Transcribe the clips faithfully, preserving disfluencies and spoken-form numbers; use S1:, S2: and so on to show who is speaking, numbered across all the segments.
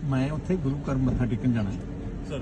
S1: मैं उत्थे गुरु घर मत्था टेकन जाना
S2: सर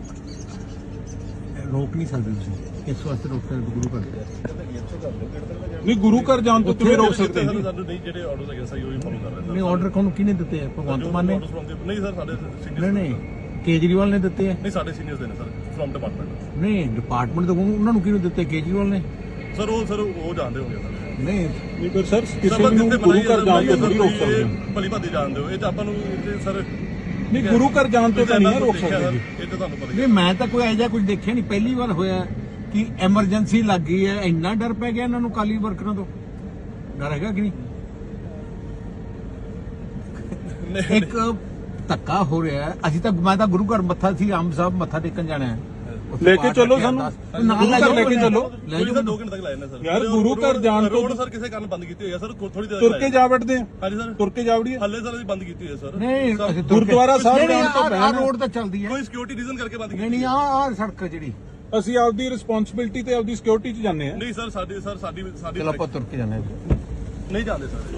S1: रोक नहीं सकते तुसीं इस वास्ते रोक सकते गुरु घर
S3: नहीं गुरु घर जान तो किवें रोक सकते हैं
S2: ਸਾਨੂੰ ਨਹੀਂ ਜਿਹੜੇ ਆਰਡਰਸ ਹੈਗੇ ਸਹੀ ਉਹੀ ਫੋਲੋ ਕਰ ਰਹੇ
S1: नहीं ऑर्डर कौन किने दिते हैं भगवंत मान ने
S2: ਨਹੀਂ ਸਰ ਸਾਡੇ
S1: नहीं
S2: ਸੀਨੀਅਰ
S1: नहीं केजरीवाल ने दिते हैं
S2: ਨਹੀਂ ਸਾਡੇ ਸੀਨੀਅਰਸ ਦੇ ਨੇ ਸਰ ਫਰਮ ਡਿਪਾਰਟਮੈਂਟ
S1: नहीं डिपार्टमेंट तो उन्होंने किने दिते केजरीवाल ने
S2: ਸਰ ਉਹ ਸਰ ਉਹ ਜਾਣਦੇ ਹੋਗੇ ਸਰ
S1: नहीं
S3: नहीं पर सर किसी ਨੂੰ ਗੁਰੂ ਘਰ ਜਾਣ ਤੋਂ ਥੋੜੀ ਰੋਕ ਸਕਦੇ ਹੋ
S2: ਭਲੀ ਭਾਦੀ ਜਾਣਦੇ ਹੋ ਇਹ ਤਾਂ ਆਪਾਂ ਨੂੰ ਸਰ
S3: नहीं गुरु घर जान तो नहीं रोक सकते जी
S2: ਇਹ ਤਾਂ ਤੁਹਾਨੂੰ ਪਤਾ ਹੀ
S1: नहीं मैं तो कोई ऐसा कुछ देखा नहीं पहली बार होया कि एमरजेंसी लग गई है इन्ना डर पै गया इन्होंने काली वर्करां तो डर हैगा कि नहीं एक धक्का हो रहा है असि तो मैं तो गुरु घर मत्था सी आम साहब मत्था टेकन जाना है
S3: लेके चलो सानू गुरु घर लेके चलो
S2: ਕੋਈ ਸਰ ਦੋ ਘੰਟੇ ਤੱਕ ਲਾਏ ਨੇ ਸਰ
S3: यार गुरु घर जान तो
S2: ਰੋਡ ਸਰ ਕਿਸੇ ਕਾਰਨ ਬੰਦ ਕੀਤੀ ਹੋਈ ਹੈ ਸਰ ਥੋੜੀ ਦੇਰ
S3: तुर के जा बैठते हैं
S2: ਹਾਂਜੀ ਸਰ
S3: तुर के जा वड़िए
S2: ਹੱਲੇ ਸਰ ਅਸੀਂ ਬੰਦ ਕੀਤੀ ਹੋਈ ਹੈ ਸਰ
S1: नहीं
S3: गुरुद्वारा साहब
S1: नहीं,
S3: जान तो
S1: आ- आ रोड तो चलती है
S2: ਕੋਈ ਸਿਕਿਉਰਿਟੀ ਰੀਜ਼ਨ ਕਰਕੇ ਬੰਦ
S1: नहीं
S2: ਕੀਤੀ
S1: नहीं आ आ सड़क है जी
S3: ਅਸੀਂ ਆਪਦੀ ਰਿਸਪੌਂਸਿਬਿਲਟੀ ਤੇ ਆਪਦੀ ਸਿਕਿਉਰਿਟੀ 'ਚ ਜਾਂਦੇ ਆ
S2: ਨਹੀਂ ਸਰ ਸਾਡੀ ਸਰ ਸਾਡੀ ਸਾਡੀ
S1: चलो आप तुर के जाना है
S2: ਨਹੀਂ ਜਾਂਦੇ ਸਰ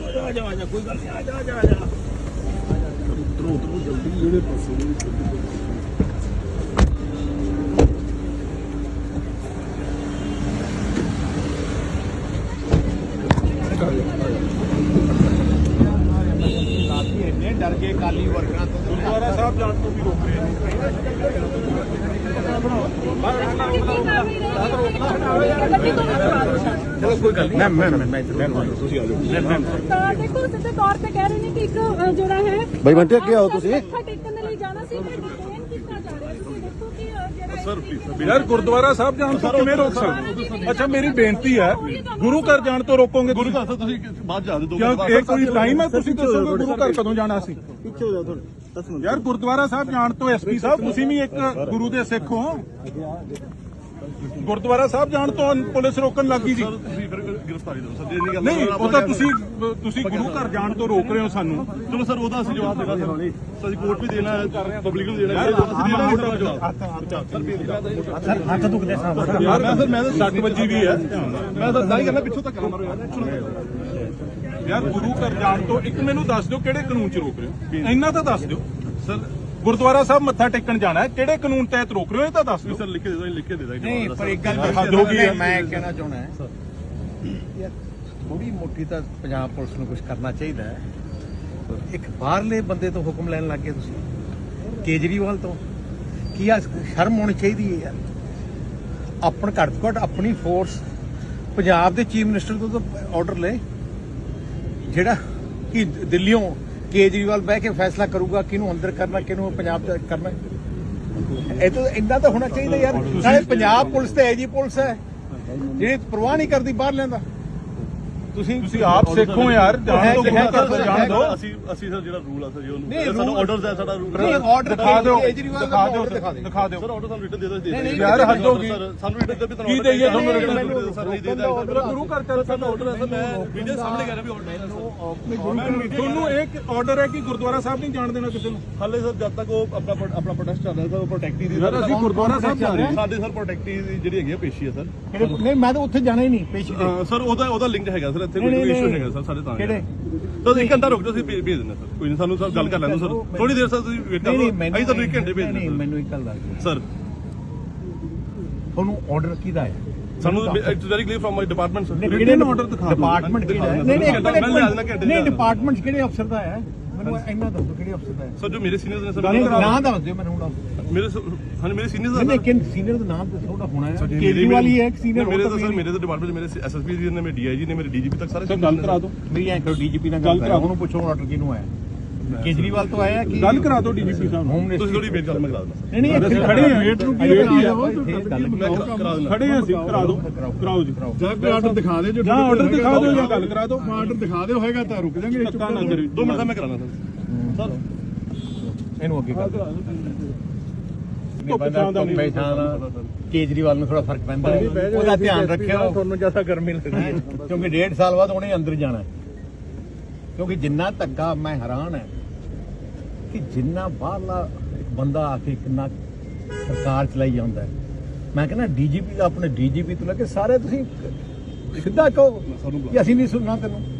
S1: डर के काली वर्करां तो
S3: ਗੁਰਦੁਆਰਾ ਸਾਹਿਬ ਜਾਣ ਤੋਂ ਵੀ ਰੋਕ ਰਹੇ ਨੇ
S1: चलो कोई गल नहीं मैं मैं मैं ਤੁਸੀਂ ਆ ਜਾਓ
S4: ਤਾਂ ਦੇਖੋ ਸਿੱਧੇ ਤੌਰ ਤੇ ਕਹਿ ਰਹੇ ਨੇ ਕਿ ਇੱਕ ਅ, ਜਿਹੜਾ ਹੈ
S5: ਬਈ ਬੰਟੇ ਅੱਗੇ ਆਓ ਤੁਸੀਂ
S4: ਮੱਥਾ ਟੇਕਣ ਦੇ ਲਈ ਜਾਣਾ ਸੀ ਪਰ ਡਿਟੇਨ ਕੀਤਾ ਜਾ ਰਿਹਾ ਤੁਸੀਂ ਦੇਖੋ ਕਿ ਅ, ਜਿਹੜਾ
S2: ਸਰ ਪਲੀਜ਼ ਸਰ
S3: ਯਾਰ ਗੁਰਦੁਆਰਾ ਸਾਹਿਬ ਜਾਣ ਤੋਂ ਕਿਵੇਂ ਰੋਕ ਸਕਦੇ ਅੱਛਾ ਮੇਰੀ ਬੇਨਤੀ ਹੈ ਗੁਰੂ ਘਰ ਜਾਣ ਤੋਂ ਰੋਕੋਗੇ
S2: ਗੁਰੂ ਘਰ ਤੋਂ ਤੁਸੀਂ ਬਾਅਦ ਜਾ ਦਿਓ
S3: ਕਿਉਂ ਇਹ ਕੋਈ ਟਾਈਮ ਹੈ ਤੁਸੀਂ ਦੱਸੋਗੇ ਗੁਰੂ ਘਰ ਕਦੋਂ ਜਾਣਾ ਸੀ
S5: ਪਿੱਛੇ ਹੋ ਜਾ ਥੋੜਾ ਦਸ ਮਿੰਟ
S3: ਯਾਰ ਗੁਰਦੁਆਰਾ ਸਾਹਿਬ ਜਾਣ ਤੋਂ ਐਸਪੀ ਸਾਹਿਬ ਤੁਸੀਂ ਵੀ ਇੱਕ ਗੁਰੂ ਦੇ ਸਿੱਖ ਹੋ ਗੁਰਦੁਆਰਾ ਸਾਹਿਬ ਜਾਣ ਤੋਂ ਪੁਲਿਸ ਰੋਕਣ ਲੱਗੀ ਜੀ
S2: ਸਰ ਤੁਸੀਂ ਫਿਰ ਗ੍ਰਿਫਤਾਰੀ ਦਿਓ ਸਰ ਜੇ ਨਹੀਂ ਗੱਲ
S3: ਨਹੀਂ ਉਹ ਤਾਂ ਤੁਸੀਂ ਤੁਸੀਂ ਗੁਰੂ ਘਰ ਜਾਣ ਤੋਂ ਰੋਕ ਰਹੇ ਹੋ ਸਾਨੂੰ
S2: ਚਲੋ ਸਰ ਉਹਦਾ ਅਸੀਂ ਜਵਾਬ ਦੇਣਾ ਸਰ ਅਸੀਂ ਕੋਰਟ ਵੀ ਦੇਣਾ ਹੈ ਪਬਲਿਕ ਨੂੰ ਦੇਣਾ ਹੈ ਅਸੀਂ ਦੇਣਾ ਹੈ ਜਵਾਬ
S1: सर हाथ दुखदे साहब
S3: ਯਾਰ ਮੈਂ ਸਰ ਮੈਂ ਤਾਂ ਸੱਟ ਵੱਜੀ ਵੀ ਹੈ
S2: ਮੈਂ ਤਾਂ ਦਾਈ ਕਰਨਾ ਪਿੱਛੋਂ ਤੱਕ ਮਾਰੋ ਯਾਰ
S3: ਯਾਰ ਗੁਰੂ ਘਰ ਜਾਣ ਤੋਂ ਇੱਕ ਮੈਨੂੰ ਦੱਸ ਦਿਓ ਕਿਹੜੇ ਕਾਨੂੰਨ 'ਚ ਰੋਕ ਰਹੇ ਹੋ ਇੰਨਾ ਤਾਂ ਦੱਸ ਦਿਓ
S2: ਸਰ
S3: ਗੁਰਦੁਆਰਾ ਸਾਹਿਬ ਮੱਥਾ ਟੇਕਣ ਜਾਣਾ ਹੈ ਕਿਹੜੇ ਕਾਨੂੰਨ ਤਹਿਤ ਰੋਕ ਰਹੇ ਹੋ ਇਹ ਤਾਂ ਦੱਸ ਦਿਓ
S2: ਸਰ ਲਿਖ ਕੇ ਦੇ ਦੋ ਲਿਖ ਕੇ ਦੇ ਦਾਂਗੇ
S1: नहीं पर एक गल
S3: हद हो गई है।
S1: मैं कहना चाहना है यार थोड़ी मोटी तो पंजाब पुलिस ਨੂੰ ਕੁਝ ਕਰਨਾ ਚਾਹੀਦਾ ਹੈ ਇੱਕ ਬਾਹਰਲੇ ਬੰਦੇ ਤੋਂ ਹੁਕਮ ਲੈਣ ਲੱਗ ਗਏ ਤੁਸੀਂ ਕੇਜਰੀਵਾਲ ਤੋਂ ਕੀ ਆ ਸ਼ਰਮ ਹੋਣੀ ਚਾਹੀਦੀ ਹੈ ਯਾਰ ਆਪਣ ਘੱਟ ਤੋਂ ਘੱਟ ਆਪਣੀ ਫੋਰਸ ਪੰਜਾਬ ਦੇ ਚੀਫ ਮਿਨਿਸਟਰ ਤੋਂ ਤਾਂ ਆਰਡਰ ਲੈ ਜਿਹੜਾ ਕਿ ਦਿੱਲੀੋਂ ਕੇਜਰੀਵਾਲ ਬਹਿ ਕੇ ਫੈਸਲਾ ਕਰੂਗਾ ਕਿਹਨੂੰ ਅੰਦਰ ਕਰਨਾ ਕਿਹਨੂੰ ਪੰਜਾਬ ਚ ਕਰਨਾ ਇਹ ਤਾਂ ਇੰਨਾ ਤਾਂ ਹੋਣਾ ਚਾਹੀਦਾ ਯਾਰ ਨਾਲੇ ਪੰਜਾਬ ਪੁਲਿਸ ਤੇ ਐਜੀ ਪੁਲਿਸ ਹੈ ਜਿਹੜੀ ਪਰਵਾਹ ਨਹੀਂ ਕਰਦੀ ਬਾਹਰ ਲੈਂਦਾ ਤੁਸੀਂ
S3: ਤੁਸੀਂ ਆਪ ਸਿੱਖੋ ਯਾਰ ਜਾਣ ਤੋਂ ਗੁਰੂ ਘਰ ਤੋਂ ਜਾਣ ਦਿਓ
S2: ਅਸੀਂ ਅਸੀਂ ਸਰ ਜਿਹੜਾ ਰੂਲ ਆ ਸਰ ਜੀ
S1: ਨਹੀਂ,
S2: ਉਹਨੂੰ ਸਾਨੂੰ
S1: rule-
S2: ਆਰਡਰਸ ਹੈ ਸਾਡਾ ਰੂਲ
S1: ਨਹੀਂ ਆਰਡਰ
S3: ਦਿਖਾ ਦਿਓ
S1: ਕੇਜਰੀਵਾਲ
S3: ਦਿਖਾ ਦਿਓ
S1: ਦਿਖਾ ਦਿਓ
S3: ਦਿਖਾ ਦਿਓ
S2: ਸਰ ਆਰਡਰ ਸਾਨੂੰ ਰਿਟਨ ਦੇ ਦੋ
S1: ਨਹੀਂ, ਨਹੀਂ,
S3: ਯਾਰ ਹੱਦ ਹੋ ਗਈ
S2: ਸਾਨੂੰ ਰਿਟਨ ਦੇ ਵੀ ਤੁਹਾਨੂੰ
S3: ਕੀ ਦੇਈਏ ਤੁਹਾਨੂੰ
S2: ਰਿਟਨ
S3: written?
S2: ਸਰ ਨਹੀਂ ਦੇ ਦਾਂਗੇ
S3: ਗੁਰੂ ਘਰ ਚੱਲ
S2: ਸਾਡਾ ਆਰਡਰ ਹੈ ਸਰ ਮੈਂ ਵੀਡੀਓ ਸਾਹਮਣੇ ਕਰ ਰਿਹਾ ਵੀ ਆਰਡਰ ਹੈ
S3: ਤੁਹਾਨੂੰ ਇੱਕ ਆਰਡਰ ਹੈ ਕਿ ਗੁਰਦੁਆਰਾ ਸਾਹਿਬ ਨਹੀਂ ਜਾਣ ਦੇਣਾ ਕਿਸੇ ਨੂੰ
S2: ਹਾਲੇ ਸਰ ਜਦ ਤੱਕ ਉਹ ਆਪਣਾ ਆਪਣਾ ਪ੍ਰੋਟੈਸਟ ਚੱਲ ਰਿਹਾ ਸਰ ਉਹ ਪ੍ਰੋਟੈਕਟੀ ਦੀ
S3: ਯਾਰ ਅਸੀਂ ਗੁਰਦੁਆਰਾ ਸਾਹਿਬ ਜਾ ਰਹੇ ਹਾਂ
S2: ਸਾਡੇ ਸਰ ਪ੍ਰੋਟੈਕਟੀ ਦੀ ਜਿਹੜੀ ਹੈਗੀ ਆ ਪੇਸ਼ੀ ਹੈ ਸਰ
S1: ਨਹੀਂ ਮੈਂ ਤਾਂ ਉੱਥੇ ਜਾਣਾ ਹੀ ਨਹੀਂ ਪੇਸ਼ੀ ਤੇ
S2: ਸਰ ਉਹਦਾ ਉਹਦਾ ਲਿੰਕ ਹੈਗਾ ਸਰ ਇੱਥੇ
S1: ਨਹੀਂ,
S2: ਕੋਈ
S1: ਨਹੀਂ,
S2: ਇਸ਼ੂ
S1: ਨਹੀਂ।
S2: ਹੈਗਾ ਸਰ ਸਾਡੇ ਤਾਂ
S1: ਕਿਹੜੇ?
S2: ਤੁਸੀਂ ਇੱਕ ਘੰਟਾ ਰੁਕ ਜਾਓ ਅਸੀਂ ਭੇਜ ਭੇਜ ਦਿੰਦੇ ਸਰ ਕੋਈ ਨਹੀਂ ਸਾਨੂੰ ਸਰ ਗੱਲ ਕਰ ਲੈਣ ਦਿਓ ਸਰ ਥੋੜੀ ਦੇਰ ਸਰ ਤੁਸੀਂ ਵੇਟ ਕਰੋ
S1: ਨਹੀਂ ਨਹੀਂ
S2: ਅਸੀਂ ਤੁਹਾਨੂੰ ਇੱਕ ਘੰਟੇ ਭੇਜ
S1: ਨਹੀਂ
S2: ਦਿੰਦੇ
S1: ਮੈਨੂੰ ਇੱਕ ਗੱਲ ਦੱਸ ਦਿਓ
S2: ਸਰ
S1: ਤੁਹਾਨੂੰ ਆਰਡਰ ਕਿਹਦਾ ਹੈ
S2: ਸਾਨੂੰ it's very clear from my department sir
S1: ਕਿਹੜੇ
S3: order ਦਿਖਾ ਦਿਓ।
S1: ਡਿਪਾਰਟਮੈਂਟ ਕਿਹੜਾ ਹੈ
S2: ਦਿਖਾ
S1: ਨਹੀਂ ਨਹੀਂ
S2: ਦਿਓ।
S1: ਇੱਕ
S2: ਮੈਂ ਲਿਆ ਦੇਣਾ ਘੰਟੇ
S1: ਨਹੀਂ
S2: ਚ।
S1: ਡਿਪਾਰਟਮੈਂਟ ਕਿਹੜੇ ਅਫਸਰ ਦਾ ਹੈ ਮੈਨੂੰ ਇੰਨਾ ਦੱਸੋ ਕਿਹੜੇ ਅਫਸਰ ਦਾ ਹੈ
S2: ਸਰ ਜੋ ਮੇਰੇ ਸੀਨੀਅਰਸ ਨੇ ਸਰ
S1: ਨਹੀਂ ਨਾਮ ਦੱਸ ਦਿਓ ਮੈਨੂੰ ਹੁਣ
S2: ਮੇਰੇ ਹਾਂ ਮੇਰੇ ਸੀਨੀਅਰਸ
S1: ਨਹੀਂ ਨਹੀਂ ਕਿਨ ਸੀਨੀਅਰ ਦਾ ਨਾਮ ਤਾਂ ਥੋੜਾ ਹੋਣਾ ਹੈ ਕੇਜਰੀਵਾਲ ਹੀ ਹੈ ਇੱਕ ਸੀਨੀਅਰ
S2: ਮੇਰੇ ਤਾਂ ਸਰ ਮੇਰੇ ਤਾਂ ਡਿਪਾਰਟਮੈਂਟ ਮੇਰੇ ਐਸਐਸਪੀ ਜੀ ਨੇ ਮੇਰੇ ਡੀਆਈਜੀ ਨੇ ਮੇਰੇ ਡੀਜੀਪੀ ਤੱਕ ਸਾਰੇ
S3: ਸਰ ਗੱਲ ਕਰਾ ਦਿਓ
S1: ਮੇਰੀ ਐਂ ਕਰੋ ਡੀਜੀਪੀ ਨਾਲ ਗੱਲ
S3: ਗੱਲ
S1: ਕਰਾਓ
S3: ਕਰਾ
S1: ਉਹਨੂੰ ਪੁੱਛੋ ਆਰਡਰ ਕਿਹਨੂੰ ਆਇਆ ਕੇਜਰੀਵਾਲ ਤੋਂ ਆਇਆ ਕਿ
S3: ਗੱਲ ਕਰਾ ਦਿਓ ਡੀਜੀਪੀ ਸਾਹਿਬ ਨੂੰ
S1: ਹੋਮ
S2: ਤੁਸੀਂ
S1: ਮਿਨਿਸਟਰ
S2: ਥੋੜੀ ਵੇਟ ਕਰ ਮੈਂ ਕਰਾ ਦਿੰਦਾ
S1: ਨਹੀਂ ਨਹੀਂ ਇੱਥੇ
S3: ਖੜੇ ਹਾਂ ਵੇਟ ਨੂੰ ਕੀ
S1: ਵੇਟ
S3: ਵੇਟ ਹੀ ਆ
S1: ਗੱਲ
S2: ਕਰਾ ਦਿੰਦਾ
S3: ਖੜੇ ਹਾਂ ਅਸੀਂ ਕਰਾ ਦਿਓ ਕਰਾਓ ਜੀ
S5: ਜਾਂ ਕੋਈ ਆਰਡਰ ਦਿਖਾ ਦੇ ਜੋ
S3: ਜਾਂ ਆਰਡਰ ਦਿਖਾ ਦਿਓ ਜਾਂ ਗੱਲ ਕਰਾ ਦਿਓ
S5: ਆਰਡਰ ਦਿਖਾ ਦਿਓ ਹੋਏਗਾ ਤਾਂ ਰੁਕ ਜਾਾਂਗੇ
S3: ਧੱਕਾ ਨਾ ਕਰਿਓ
S2: ਦੋ ਮਿੰਟ ਦਾ ਮੈਂ ਕਰਾਣਾ ਸਰ ਸਰ
S1: ਇਹਨੂੰ ਅੱਗੇ ਕਰ
S3: ਧੁੱਪ ਛਾਂ ਦਾ ਨਹੀਂ
S1: ਕੇਜਰੀਵਾਲ ਨੂੰ ਥੋੜਾ ਫਰਕ ਪੈਂਦਾ ਹੈ ਉਹਦਾ ਧਿਆਨ ਰੱਖਿਓ
S5: ਤੁਹਾਨੂੰ ਜ਼ਿਆਦਾ ਗਰਮੀ ਲੱਗਦੀ
S1: ਕਿਉਂਕਿ ਡੇਢ ਸਾਲ ਬਾਅਦ ਉਹਨੇ ਅੰਦਰ ਜਾਣਾ ਹੈ ਕਿਉਂਕਿ ਜਿੰਨਾ ਧੱਕਾ ਮੈਂ ਹੈਰਾਨ ਹੈ ਕਿ ਜਿੰਨਾ ਬਾਹਰਲਾ ਬੰਦਾ ਆ ਕੇ ਕਿੰਨਾ ਸਰਕਾਰ ਚਲਾਈ ਜਾਂਦਾ ਹੈ ਮੈਂ ਕਹਿੰਦਾ ਡੀਜੀਪੀ ਦਾ ਆਪਣੇ ਡੀਜੀਪੀ ਤੋਂ ਲੈ ਕੇ ਸਾਰੇ ਤੁਸੀਂ ਸਿੱਧਾ ਕਹੋ ਕਿ ਅਸੀਂ ਨਹੀਂ ਸੁਣਨਾ ਤੈਨੂੰ